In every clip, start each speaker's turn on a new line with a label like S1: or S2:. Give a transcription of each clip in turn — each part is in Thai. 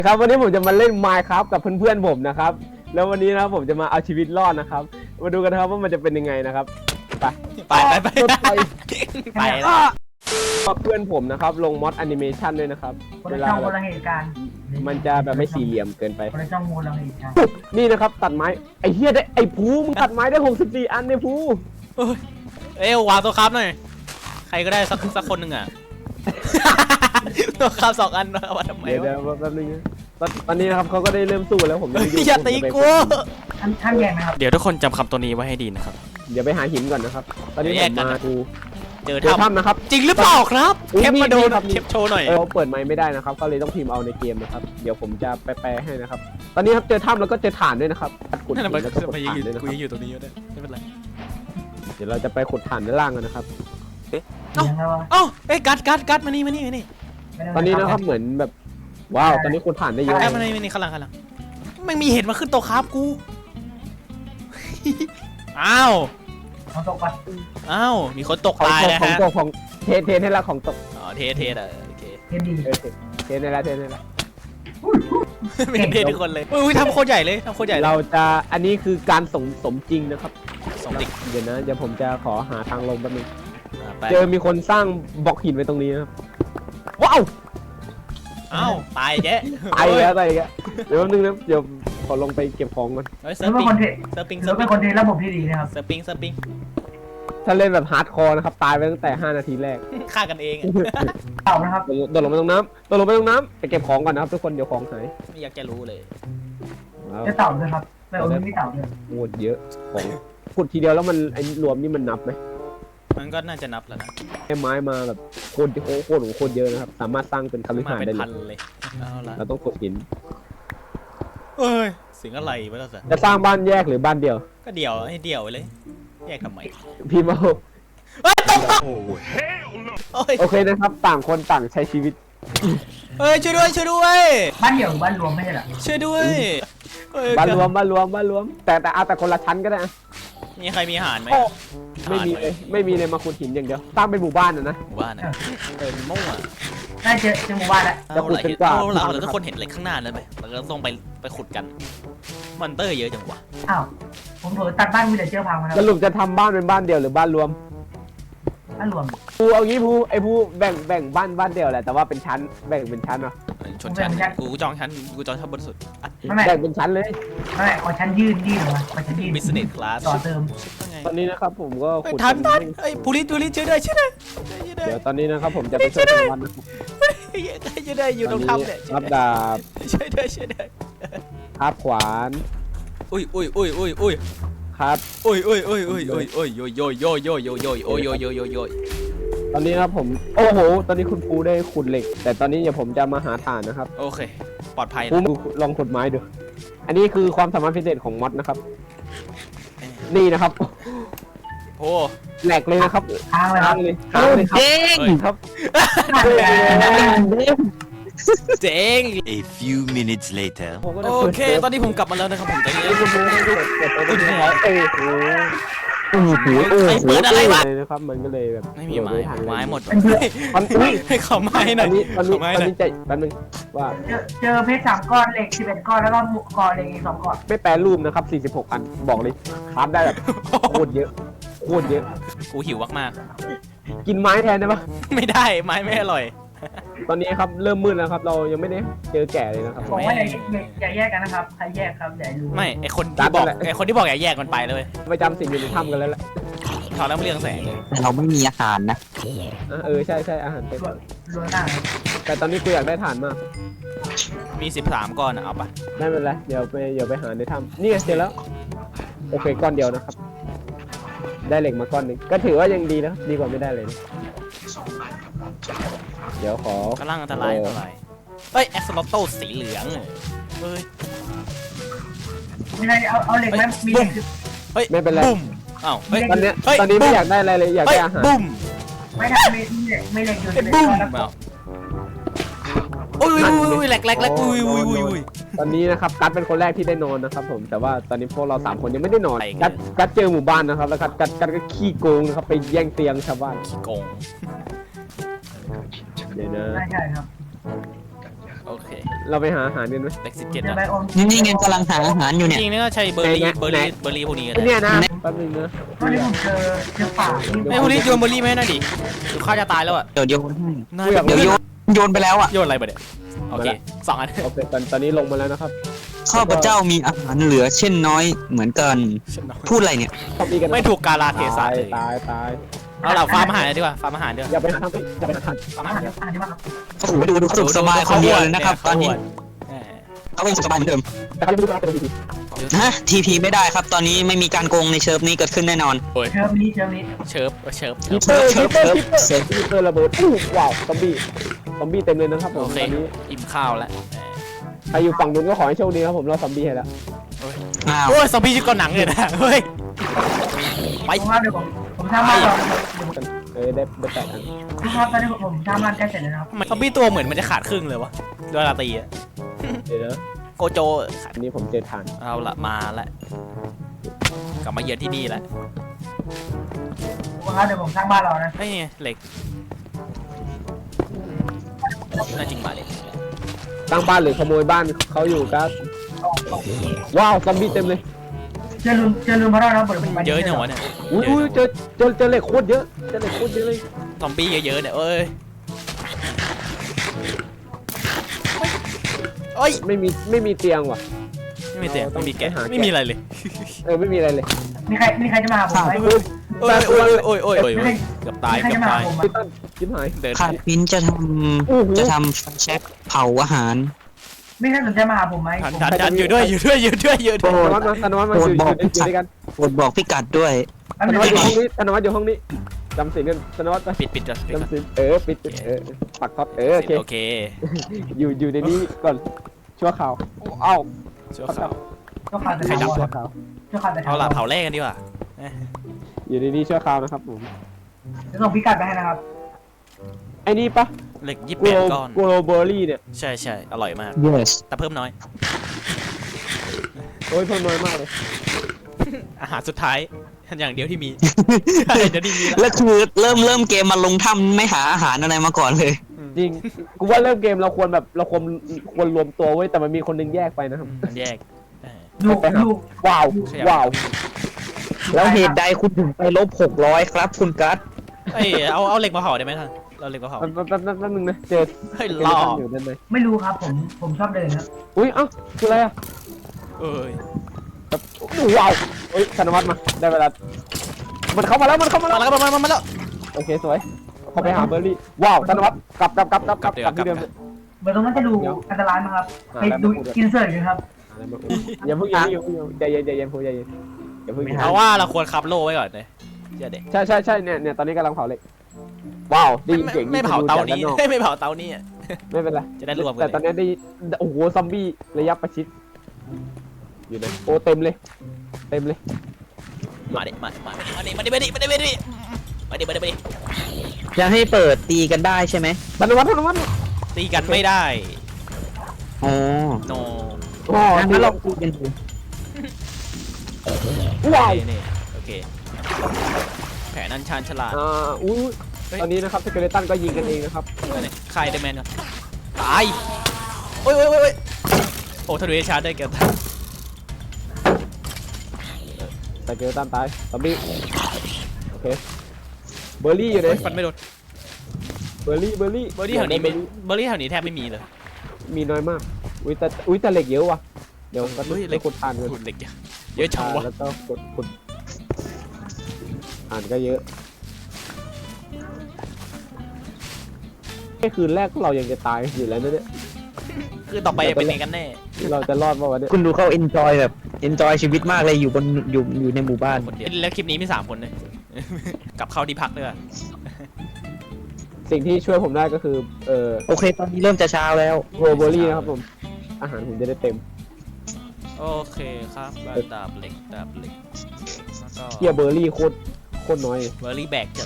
S1: ครับวันนี้ผมจะมาเล่น Minecraft กับเพื่อนๆผมนะครับแล้ววันนี้นะครับผมจะมาเอาชีวิตรอดนะครับมาดูกันนะครับว่ามันจะเป็นยังไงนะครับไปแล้วเพื่อนผมนะครับลงมอดแอนิเมชันด้วยนะครับ
S2: คนละช่องคนละเหตุการณ์
S1: มันจะแบบไม่สี่เหลี่ยมเกินไป
S2: คนละช่องคนละเหตุการณ์
S1: นี่นะครับตัดไม้ไอ้เหี้ยได้ไอ้ภูมึงตัดไม้ได้64อันเนี่ยภู
S3: วางตัวครับหน่อยใครก็ได้สักคนหนึ่งอ่ะ ตัวครับ2 อันเอามาทำไม
S1: เดี๋ยว
S3: วะ
S1: แป๊บนึงตอนนี้นะครับเขาก็ได้เริ่มสู้แล้วผม
S3: อย่าตีกู
S2: ท่านแยกนะครับ
S3: เดี๋ยวทุกคนจำคำตัวนี้ไว้ให้ดีนะครับ
S1: เดี๋ยวไปหาหินก่อนนะครับตอนนี้ผมมาภู
S3: เจอ
S1: ถ้ำนะครับ
S3: จริงหรือเปล่าครับเทปมาโดน
S1: ครับ
S3: เทปโชว์หน่อย
S1: เราเปิดไมค์ไม่ได้นะครับก็เลยต้องพิมพ์เอาในเกมนะครับเดี๋ยวผมจะแปลให้นะครับตอนนี้ครับเจอถ้ำแล้วก็เจอถ่านด้วยนะครับขุด
S3: นั่น
S1: หิน
S3: แหละ
S1: แล้วก็ขุด
S3: ไป
S1: ถ่าน
S3: ยืน
S1: ด้วยนะ
S3: กู
S1: ครับ
S3: ยังอยู่ตรงนี้อยู่ด้วยไม่เป็นไร
S1: เดี๋ยวเราจะไปขุดถ่านด้านล่างกันนะครับ
S3: กัดมานี่
S1: ตอนนี้นะครับเหมือนแบบว้าวตอนนี้ขุดถ่านได้เยอะ
S3: กัดมานี่ข้างหลังไม่มีเห็นมาขึ้นโต๊ะครับกู อ้าว
S2: ของตกปะ
S3: มีคนตก
S1: ของ
S3: ตายนะ
S1: ของ
S3: ฮะ
S1: ตกของเทให้ละของตก
S3: อ๋อเทโอเค
S2: เทียนดี
S1: เทให้ละ
S3: ไม่เททุกคนเลยอุ้ยทำโคตรใหญ่เลย
S1: เราจะอันนี้คือการสมจริงนะครับ
S3: สมจริง
S1: เดี๋ยวผมจะขอหาทางลงแป๊บนึง
S3: ไป
S1: เจอมีคนสร้างบล็อกหินไว้ตรงนี้นะครับว้าว
S3: อ้าวตายแก
S1: ไอ้แล้วไอ้แล้วเดี๋ยวแป๊บนึงนะเดี๋ยวขอลงไปเก็บของก่อน
S3: เซิ
S2: แล้
S3: ร์
S2: ว
S3: ฟ
S2: เป็น
S3: ปิ้ง
S2: คนเท
S3: เซิร์ฟปิ้ง
S2: แล้วเป็นคนเทระบบที่ดีนะครับ
S3: เซิร์ฟปิ้ง
S1: ถ้าเล่นแบบฮาร์ดคอร์นะครับตายไปตั้งแต่5 นาทีแรก
S3: ฆ่ากันเอง
S2: เต่านะครับ
S1: โดดลงไปตรงน้ำไปเก็บของก่อนนะครับทุกคนเดี๋ยวของหาย
S3: ไม่อยากจะรู้เลย
S2: จะเต่าด้วยครับแต่โอ้ยไม่เต่าด้วย
S1: โคตรเยอะของขุดทีเดียวแล้วมันไอ้รวมนี่มันนับไหม
S3: มันก็น่าจะนับแล้วนะ
S1: ไม้มาแบบโคตรเยอะนะครับสามารถสร้างเป็นคฤหาสน์
S3: เป็
S1: ได้
S3: น
S1: เล
S3: พัน
S1: ย
S3: เลยเอาละ
S1: เราต้องขุดหิน
S3: เอ้ยเสียงอะไรวะล่ะสิ
S1: จะสร้างบ้านแยกหรือบ้านเดียว
S3: ก็เดี่ยวให้เดี่ยวไปเลยแยกทำไม
S1: พี่เมา
S3: เฮ้ยตกโอ้ย
S1: โอเคนะครับ ต่างคนต่างใช้ชีวิต
S3: เฮ้ยช่วยด้วย
S2: บ้านเดี่ยวหรือบ้านรวมไม่ใช่เหรอ
S3: ช่วยด้วยเฮ้ย
S1: บ้านรวมแต่เอาแต่คนละชั้นก็ได้นะ
S3: มีใครมีอาหารไหม
S1: ไม่มีเลยมาขุดหินอย่างเดียวสร้างเป็นหมู่บ้านนะ
S3: หมู่บ้านนะมั่ว
S2: น่าเจอหมู่บ้านแล้ว
S1: จะขุดเป็นกว่า
S3: เราทุกคนเห็นเหล็กข้างหน้าแล้วไหมเราก็ต้องไปขุดกันมอนเตอร์เยอะจังวะ
S2: อ้าวผมเผลอตัดบ้านวิลเลจเจอร์พังมาแล้ว
S1: สรุปจะทำบ้านเป็นบ้านเดียวหรือบ้านรวม
S2: บ้านรวม
S1: ภูเอางี้ภูไอ้ภูแบ่งบ้านเดียวแหละแต่ว่าเป็นชั้นแบ่งเป็นชั้นเนาะ
S3: ชนชั้นกูจองชั้นบนสุด
S2: ไม่
S1: แบ่งเป็นชั้นเลย
S2: ขอชั้นยืนออกมาขอชั้นยืน
S3: บิสเนสคลาส
S2: ต่อเติม
S1: ตอนนี้นะครับผมก็ขุด
S3: ทันไอ้ยพูลิสช่วยด้วย
S1: เดี๋ยวตอนนี้นะครับผมจะไปช่วยทำบ้านนะครับ
S3: ช่วยด้วยอยู่ตรงถ้ำเนี่ย
S1: รับดาบ
S3: ช่วยด้วย
S1: คาบขวาน
S3: อุ้ย
S1: ครับ
S3: โย
S1: ตอนนี้นะครับผมโอ้โหตอนนี้คุณภูได้ขุดเหล็ก แต่ตอนนี้เดี๋ยวผมจะมาหาถ่านนะครับ
S3: โอเคปลอดภัย
S1: ภูลองขุดไม้ดูอันนี้คือความสามารถพิเศษของมอดนะครับ นี่นะครับ
S3: โอ้
S1: แหลกเลยนะครับ
S2: ทางเลยครับ
S1: ค้างเลยครับ
S3: เจ๋ง
S4: A few minutes later.
S3: โอเคตอนนี้ผมกลับมาแล้วนะครับผมตอนนี้
S1: คุณภูให้ดูเปิดไปได้ไหมโอ้โห
S3: ใครเปิดอะไรวะ
S1: เลยนะครับมันก็เลยแบบ
S3: ไม่มีไม้หมด
S1: อุ้ย
S3: ให้เขาไม้หน่อย
S1: ตอนนี้ใจแป๊บนึงว่า
S2: เจอเพชร3 ก้อนเหล็ก11 ก้อนแล้วก็ก่อเหล็กอีก2 ก้อน
S1: ไม่แปรรูปนะครับ46อันบอกเลยคราฟได้แบบโคตรเยอะ
S3: กูหิวมาก
S1: กินไม้แทนได้ปะ
S3: ๆไม่ได้ไม้ไม่อร่อย
S1: ตอนนี้ครับเริ่มมืดแล้วครับเรายังไม่ได้เจอแก่เลยนะครับ
S2: บอกว่าอย่าแยกกันนะครับใครแยกครับอย่ารู้
S3: ไม่ไอคนที่บอกอย่าแยกมันไปเลย
S1: ไปจำสิ่งอยู่ในถ้ำกันแล้วแหละ
S3: ถอดแล้วเรื่องแสงเลย
S4: แต่เราไม่มีอาหารนะ
S1: ใช่อาหารเต็ม
S2: รวนหน้า
S1: แต่ตอนนี้กูอยากได้ถ่านมาก
S3: มี13ก้อนเอาปะ
S1: ได้เป็นไรเดี๋ยวไปหาในถ้ำนี่ไงเจอแล้วโอเคก้อนเดียวนะครับ ได้เหล็กมาก้อนหนึ่งก็ถือว่ายังดีนะดีกว่าไม่ได้เลยนะเดี๋ยวขอก
S3: ำลังอันตรายเฮ้ยแอสโลโตสีเหลืองเฮ้ย
S2: ไม่ได้เอาเหล็กไหมมีเหล็ก
S3: เฮ้ยบุ้มอ้าวเฮ้ย
S1: ตอนนี้ไม่อยากได้อะไรเลยอยากได้อาหาร
S3: บุ้ม
S2: ไม่ได้ไม่เหล็กอยู่ใน
S3: บุ้ม
S2: แล้ว
S3: โอ้ยแหลกอุ้ย
S1: ตอนนี้นะครับกัดเป็นคนแรกที่ได้นอนนะครับผมแต่ว่าตอนนี้พวกเรา3 คนยังไม่ได้นอนกัดเจอหมู่บ้านนะครับแล้วกัดก็ขี้โกงนะครับไปแย่งเตียงชาวบ้าน
S3: ขี้โกง
S1: เดี๋ยวนะ
S2: ใช่ครับ
S3: โอโอเค
S1: เราไปหาอาหารกันไหม
S3: เล็ก17
S2: เดี๋ยว
S3: นะ
S2: ไปอม
S4: นี่ไงกำลังหาอาหารอยู่
S3: จ
S4: เนี่ย
S3: ริงๆนี่ก็ใช้เบอร์รี่
S1: ไหน
S3: เบอร์รี่เบอร์รี่พวกนี้กัน
S1: เนี่ยนะแป๊บนึงนะ
S2: ตอนนี้ผมเจอป่าที่
S3: ไอ้พวกนี้โยนเบอร์รี่ไหมน่ะดิหรือข้าจะตายแล้วอ่ะ
S4: เดี๋ยวโยนให้
S3: น่า
S4: เดี๋ยวโยนไปแล้วอ่ะ
S3: โยนอะไรไปเนี่ยโอเค2 อัน
S1: โอเคตอนนี้ลงมาแล้วนะครับ
S4: ข้าพเจ้ามีอาหารเหลือเช่นน้อยเหมือนกัน พูดอะไรเนี่ย
S1: ซอมบี้กัน
S3: ไม่ถูกกาลาเทศะ
S1: ตาย
S3: เลย
S1: ตาย
S3: เอาล่ะฟาร์มอาหารดีกว่าฟาร์มอาหารดีกว่า
S1: อย่าไปทำอย่าไปทำ
S3: ฟาร์มอาหารดีกว่า
S2: อ่านดีมากครับ
S4: โอ้โหดูสุขสบายคนเดียวเลยนะครับ ตอนนี้
S3: แหม
S4: เขาเป็นสุขสบายเหมือนเดิม
S1: แต่เขาจะไม่รู้ว่าเป็นดี
S4: ฮะทีพีไม่ได้ครับ ตอนนี้ไม่มีการโกงในเชิร์ฟนี้เกิดขึ้นแน่นอน
S2: เชิญนี้
S3: เชิร์ฟ
S1: คิปเปอร์คิปเปอร์คิปเปอร์ระเบิดว้าวซอมบี้เต็มเลยนะครับผม
S3: โอเค
S1: ตอนนี้
S3: อิ่มข้าวแล้ว
S1: ใครอยู่ฝั่งนู้นก็ขอให้โชคดีครับผมเราซอมบี้ให้แล้ว
S4: อ้าว
S3: โอ้ยซอมบี้ชุดเกาหนังเลยนะเฮ้ยไป
S2: ผมว่าเดี๋ยวผมสร้างบ้านรอ
S1: ได้แปดอัน
S2: ทุกครับตอนนี้ผมสร้างบ้านใกล้เสร็จแล้วนะครับ
S3: ทำไมซอมบี้ตัวเหมือนมันจะขาดครึ่งเลยวะเวลาตีอะ
S1: เดี๋ยวนะ
S3: โกโจขาด
S1: อันนี้ผมเจอฐาน
S3: เอาละมาละกลับมาเยือนที่นี่แหละ
S2: ทุกครับเดี๋ยวผมสร้างบ้านรอนะ
S3: เฮ้ยเหล็กน่าจริงมาเลย
S1: ตั้งบ้านหรือขโมยบ้านเขาอยู่ครับว้าวซอมบี้เต็มเลย
S2: เจอลืมพระราชนะบทผม
S3: เยอะจังวะเนี่ย
S1: อุ้ยเจอเหล็กโคตรเยอะเจอเหล็กโคตรเยอะเลย
S3: ซอมบี้เยอะๆเนี่ยเอ้ยเอ้ย
S1: ไม่มีเตียงว่ะ
S3: ไม่มีเตียงไม่มีแกะ
S1: ต้องไปหาแกะ
S3: ไม่มีอะไรเลย
S1: ไม่มีอะไรเลย
S2: มีใครจะมาหาผมไหม
S3: โอ้ยเกือบตาย
S2: มีใคร
S3: เกือบ
S2: จะมา
S3: ตา
S2: หาย ผมไหม
S1: พี่ต้นชิบหาย
S3: เดิน
S4: ข้าพินจะทำไฟแช็กเผาอาหาร
S2: ไม่ใครสนใจมาหาผมไหม
S3: ทันอยู่ด้วย
S1: ธนวัฒน์มาอยู่ด้วยกัน
S4: โปรดบอกพิกัดด้วย
S2: อัน
S1: ธน
S2: นี้
S1: วัฒน์อยู่ห้องนี้ธนวัฒน์อยู่ห้องนี้จำสินกันธนวัฒน์ไป
S3: ปิดก่อน
S1: จำสินปิดปักท็อปโอเค
S3: โอเค
S1: อยู่ในนี้ก่อนชั่วข่าวเอ้า
S3: ชั่วคราว
S2: ก็ขาดแต่
S3: ใครดับ
S1: ชั่วข่าว
S2: ก็ขาดแต่
S3: เอาล่ะเผาแรกกันดีกว่า
S1: อยู่ในนี้ชั่วข่าวนะครับผม
S2: จะส่งพิกัดไปให้นะครับ
S1: ไอ้นี่ปะ
S3: เหล็ก
S1: โกล
S3: 28ก้อน
S1: โกลเบอร์รี่เนี่ย
S3: ใช่อร่อยมาก
S4: yes
S3: แต่เพิ่มน้อย
S1: โอ้ยเพิ่มน้อยมากเลย
S3: อาหารสุดท้ายอย่างเดียวที่มีเดี๋ยวนี้มีแล้ว
S4: แล้วคือเริ่มเกมมาลงถ้ำไม่หาอาหารอะไรมาก่อนเลย
S1: จริงกูว่าเริ่มเกมเราควรรวมตัวไว้แต่มันมีคนนึงแยกไปนะครับ
S3: มันแยก
S2: ดู
S1: ว้าวว้าว
S4: แล้วเหตุใดคุณถึงไปลบ600ครับคุณกัส
S3: เอ้ยเอาเหล็กมาเผาได้ไหมท่านเราเหล็กมาเผา
S1: แป๊บนึงนะเจอ
S3: เฮ้ยหล่อ
S1: อยู่ด้านใน
S2: ไม่รู้ครับผมชอบเดินครับ
S1: อุ้ยเอ้าคืออะไรอ่ะ
S3: เอ้ย
S1: ว้าวเฮ้ยธนวัฒน์มาได้เวลามันเข้ามาแล้ว
S3: มาแล้วมาแล้ว
S1: โอเคสวยเขาไปหาเบอร์รี่ว้าวธนวัฒน์กลับที่เดิม
S2: เหมือนตรงนั้นจะดูอันตรายมั้งครับไปดูอินเสิร์ตกันครับ
S1: อย่าเพิ่งใจเย็นอย่าเพิ่ง
S3: เพราะว่าเราควรคับโล่ไว้ก่อนเลยเชื่อเด็ก
S1: ใช่เนี่ยตอนนี้กำลังเผาเหล็กว้าวได้ยินเสียง
S3: ไม่เผาเตานี้ไม่เผาเตานี้
S1: ไม่เป็นไร
S3: จะได้รวมกัน
S1: แต่ตอนนี้ได้โอ้โหซอมบี้ระยะประชิดอยู่ไหนโอ้เต็มเลย
S3: มาดิ
S4: จะให้เปิดตีกันได้ใช่ไหม
S1: ธนวัฒน์
S3: ตีกันไม่ได้
S4: อ๋อ
S3: โน
S1: อ๋อ
S4: งั้นเราคุยกันดู
S1: ว้าว
S3: นี่โอเคแผนอันชาญฉลาด
S1: อุ้ยตอนนี้นะครับสเกเลตันก็ยิงกันเองนะครับ
S3: ใครเดแมนก่อนตายโอ้ยโอ้ทะลุชาร์จได้เกี่ยว
S1: สเกเลตันตายซอมบี้โอเคเบอร์รี่อยู่ไหน
S3: ฟันไม่โดน
S1: เบอร์รี่
S3: แถวนี้แทบไม่มีเลย
S1: มีน้อยมากอุ้ยแต่เหล็กเยอะว่ะเดี๋ยวก็
S3: เฮ้ย
S1: ได้ขุดทานกัน
S3: ขุดเหล็กเยอะจังวะ
S1: แล้วก็ขุดทานก็เยอะแค่คืนแรกเรายังจะตายอยู่แล้วนะเนี่ย
S3: คือต่อไปเป็นไงกันแน่
S1: เราจะรอดป่าวะเนี่ย
S4: คุณดูเขา enjoy ชีวิตมากเลยอยู่ในหมู่บ้าน
S3: คนเดียวแล้วคลิปนี้มี3 คนเลย กลับเข้าที่พักด้วย
S1: สิ่งที่ช่วยผมได้ก็คือ
S4: โอเคตอนนี้เริ่มจะเช้าแล้ว
S1: โรเบอรี่นะครับผมอาหารผมจะได้เต็ม
S3: โอเคครับดาบเหล็กแล้วก็
S1: เกียเบอร์รี่โคตรน้อย
S3: เบอร์รี่แบกจัด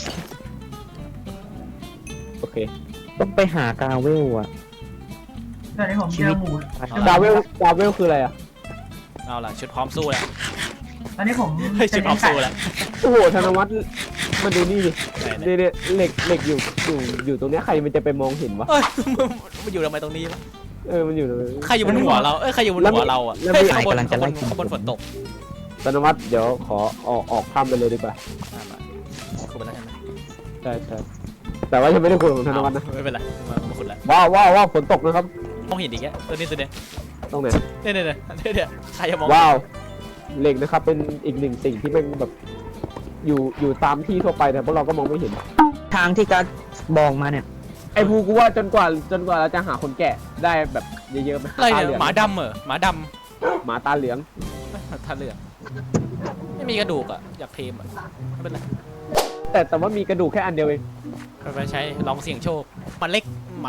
S1: โอเค
S4: ต้องไปหากาเวลอะ
S2: ตอนนี้ผมเจอหมู
S1: ดาเวลคืออะไรอ่ะ
S3: เอาล่ะชุดพร้อมสู้แล้ว
S2: ตอนนี้ผม
S3: ชุดพร้อมสู้แล้ว
S1: โอ้โหธนวัฒน์มาดูนี่ดิ
S3: ไหน
S1: เนี่ยเหล็กอยู่ตรงเนี้ยใครมันจะไปมองเห็นวะ
S3: เอ้ยมันอยู่ทำไมตรงนี้วะ
S1: มันอยู่ตรงนี้
S3: ใครอยู่บนหัวเราใครอยู่บนหัวเราอ่ะ
S1: แล้ว
S3: เฮ้ย
S1: มี
S3: ข้างบน
S4: กำลังจะไล่
S3: ข้างบนฝนตก
S1: ธนวัฒน์เดี๋ยวขอออกถ้ำไปเลยดีกว่า
S3: คุณไปแล้วใช่ไหม
S1: ใช่แต่ว่ายังไม่ได้คุยของธนวัฒน์นะ
S3: ไม่เป็นไรมาคุณแล้ว
S1: ว้าวฝนตกนะครับ
S3: มองเห็นอีกแกตัวนี้
S1: ตรงไหน
S3: เนี่ยใครจะมอง
S1: ว้าวเหล็กนะครับเป็นอีกหนึ่งสิ่งที่แม่งแบบอยู่ตามที่ทั่วไปแต่พวกเราก็มองไม่เห็น
S4: ทางที่การบอกมาเนี่ย
S1: ไอ้ภูกูว่าจนกว่าเราจะหาคนแก่ได้แบบเยอะๆไหม
S3: อะไร
S1: ตา
S3: เนี่
S1: เหลือง
S3: ยหมาดำเหรอหมาด
S1: หมาตาเหลือง
S3: ำท่าเรือไม่มีกระดูกอ่ะอยากเทมอ่ะไม่เป็นไร
S1: แต่ว่ามีกระดูกแค่อันเดียวเอง
S3: ไปใช้ลองเสี่ยงโชคหมาเล็ก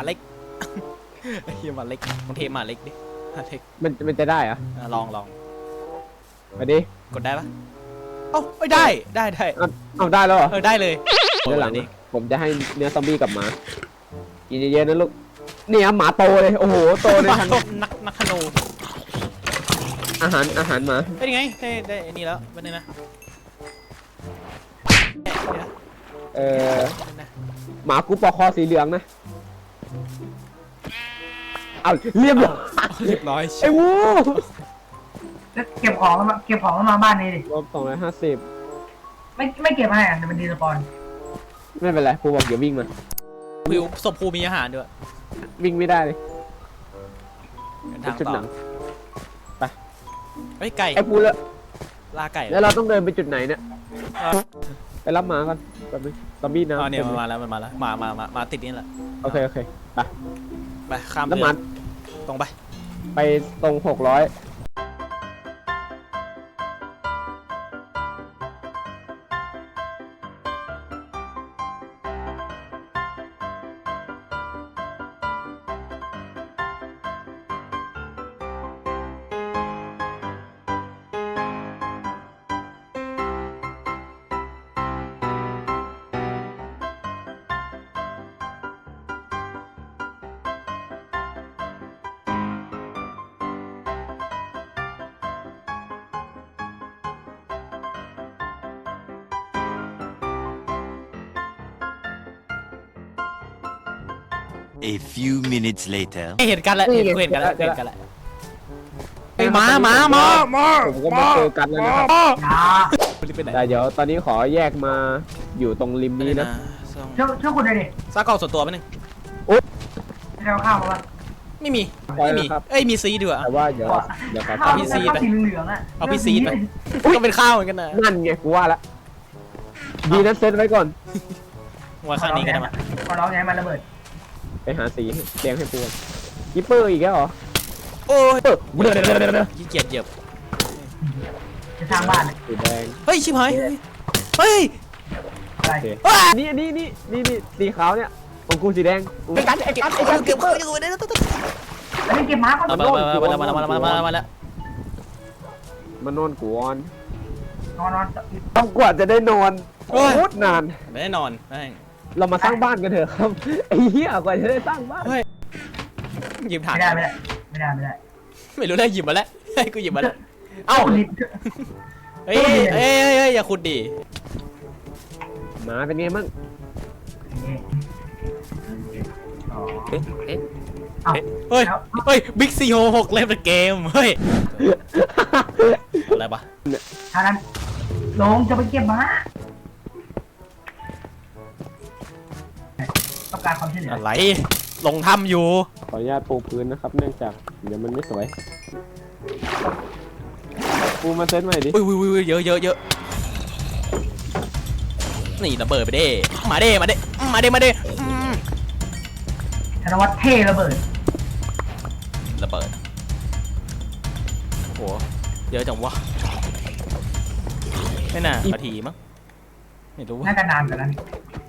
S3: เฮียหมาเล็กลองเทมหมาเล็กดิหมาเล็ก
S1: มันจะได้เหรอะ
S3: ลอง
S1: ไปดิ
S3: กดได้ปะเอ้าไม่ได้
S1: เอาได้แล้วเหรอ
S3: ได้เลย
S1: เดี๋ยวหลังผมจะให้เนื้อซอมบี้กับหมากินเยอะๆนะลูกเนี่ยหมาโตเลยโอ้โหโตในทัน
S3: นักขโน
S1: อาหารหมา
S3: เป็นไงได้อันนี้แล้วเป็นไงนะ
S1: หมากูปอกคอสีเหลืองนะเอาเรียบร้อย
S3: เรียบร้อย
S1: ไอ้วู
S2: แล้วเก็บของมาบ้านนี้ดิ
S1: รวม250
S2: ไม่เก็บให้อ่ะเดี๋ยวมันดีสปอน
S1: ไม่เป็นไรครูบอกเดี๋ยววิ่งมา
S3: วิวศพภูมีอาหารด้วย
S1: วิ่งไม่ได้เลย
S3: ทาง
S1: จุด
S3: ต่
S1: หนั
S3: อง เฮ้ยไก่
S1: ไอ้ภูแล้ว
S3: ลาไก่
S1: แล้วเราต้องเดินไปจุดไหนเนี่ยไปรับหมาก่อนแป๊บนึงซอมบี้นะ
S3: เนี่ยมันมาแล้วมาติดนี่แหละ
S1: โอเคไป
S3: ไปข้าม
S1: แล้ว
S3: เรื
S1: หมา
S3: อตรงไป
S1: ไปตรง600
S5: A few minutes later.
S3: เห็นกันแล้วเห็นกันแล้วไอ้หมา
S1: ผมก็มาเจอกันแล้วนะครับ
S3: เป็นไหน
S1: แต่เดี๋ยวตอนนี้ขอแยกมาอยู่ตรงริมนี้นะ
S2: ช่วยคุณหน่อยดิ
S3: ซากล่องส่วนตัวไหมนึง
S2: ให้เราข้าวมาบ้าง
S3: ไม่มี
S1: ปล่อยนะครับ
S3: เอ้ยมีซีด้วย
S1: แต่ว่าเดี๋ยวขอ
S2: ข้าว
S3: พี่
S2: ที่
S3: ซีดไป
S2: สีเหลืองอ่ะ
S3: เอาพี่ซีดไปก็เป็นข้าวเหมือนกันนะ
S1: นั่นไงกูว่าละดีนะเซตไว้ก่อน
S3: ว่าข้างนี้ก็ได้มา
S2: ขอร้องไงมันระเบิด
S1: ไปหาสีแดงให้ปูกิปเปอร์อีกแล้วเหรอ
S3: โอ้ย
S1: เดี๋ยว
S3: ขี้เกียจเหยียบ
S2: จะสร้างบ้าน
S1: สีแดง
S3: เฮ้ยชิบหายเฮ้ย
S2: อะไร
S1: โอเคนี่สีขาวเนี่ยของกูสีแดงไอ้กัน
S3: เก็บข้าวอยู่ได้แล้ว
S2: แล้วไม่เก็บม้าก่อน
S3: มาแล้ว
S1: มานอนกูวอน
S2: นอน
S1: ต้องกว่าจะได้นอนโคตรนาน
S3: แน่นอนได้
S1: เรามาสร้างบ้านกันเถอะครับไอ้เหี้ยกว่าจะได้สร้างบ้าน
S3: หยิบถ่าน
S2: ไม่ได้
S3: ไม่รู้ได้หยิบมาแล้วให้กูหยิบมาแล้วเอ้า
S2: ลิด
S3: เฮ้ยอย่าขุดดิ
S1: หมาเป็นไงมั่ง
S3: เฮ้ยบิ๊กซีโฮ6เล่นเป็นเกมเฮ้ยอะไรปะ
S2: ทางนั้นลงจะไปเก็บม้าต้องการความช่วยเหลือ
S3: อะไรลงถ้ำอยู่
S1: ขออนุญาตปูพื้นนะครับเนื่องจากเดี๋ยวมันไม่สวยปูมาเซตใหม่ดิ
S3: อุ้ยเยอะนี่ระเบิดไปเด้มาเด้
S2: ธนวัฒน์เท่ระเบิด
S3: ระเบิดโหเยอะจังวะไม่น่านาทีมั้งไม่รู้
S2: น่าจะนานกว่านั้น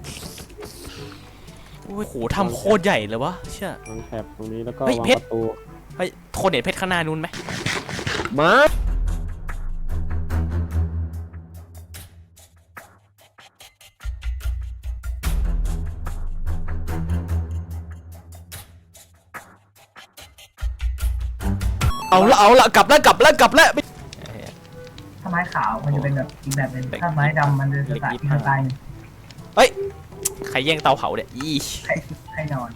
S3: โอ้ยโหทำโคตรใหญ่เลยวะเชื่อ
S1: วางแถบตรงนี้แล้วก็
S3: เฮ้ยว
S1: าง
S3: เพชร
S1: ประตู
S3: เฮ้ยคนเห็นเพชรข้างหน้านู้นไหม
S1: มา
S3: เอาละกลับแล้ว
S2: ถ้าไม้ขาวมันจะเป็นแบบอีกแบบนึงถ้าไม้ดำมันจะสไตล์อีกสไตล์นึง
S3: เฮ้ยใครแย่งเตาเผาเนี่ยอี
S2: ใครนอน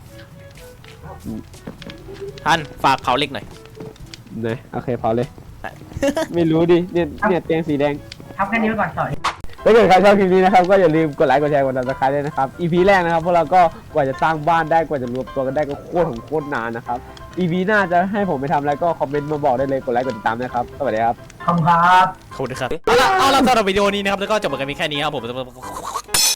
S3: ท่านฝากเผาเหล็กหน่อย
S1: นะโอเคพอเลย ไม่รู้ดิเนี่ยเตียงสีแดง
S2: ทำแค่นี้ไปก่อนต่อ
S1: ถ้าเกิดใครชอบคลิปนี้นะครับก็อย่าลืมกดไลค์กดแชร์กดติดตามด้วยนะครับ EP แรกนะครับพวกเราก็กว่าจะสร้างบ้านได้กว่าจะรวมตัวกันได้ก็โคตรนานนะครับ EP หน้าจะให้ผมไปทำอะไรก็คอมเมนต์มาบอกได้เลยกดไลค์กดติดตามนะครับสวัสดีครับ
S2: ขอบคุณครับ
S3: ขอบคุณครับเอาละสำหรับวิดีโอนี้นะครับแล้วก็จบกันเพียงแค่นี้ครับผม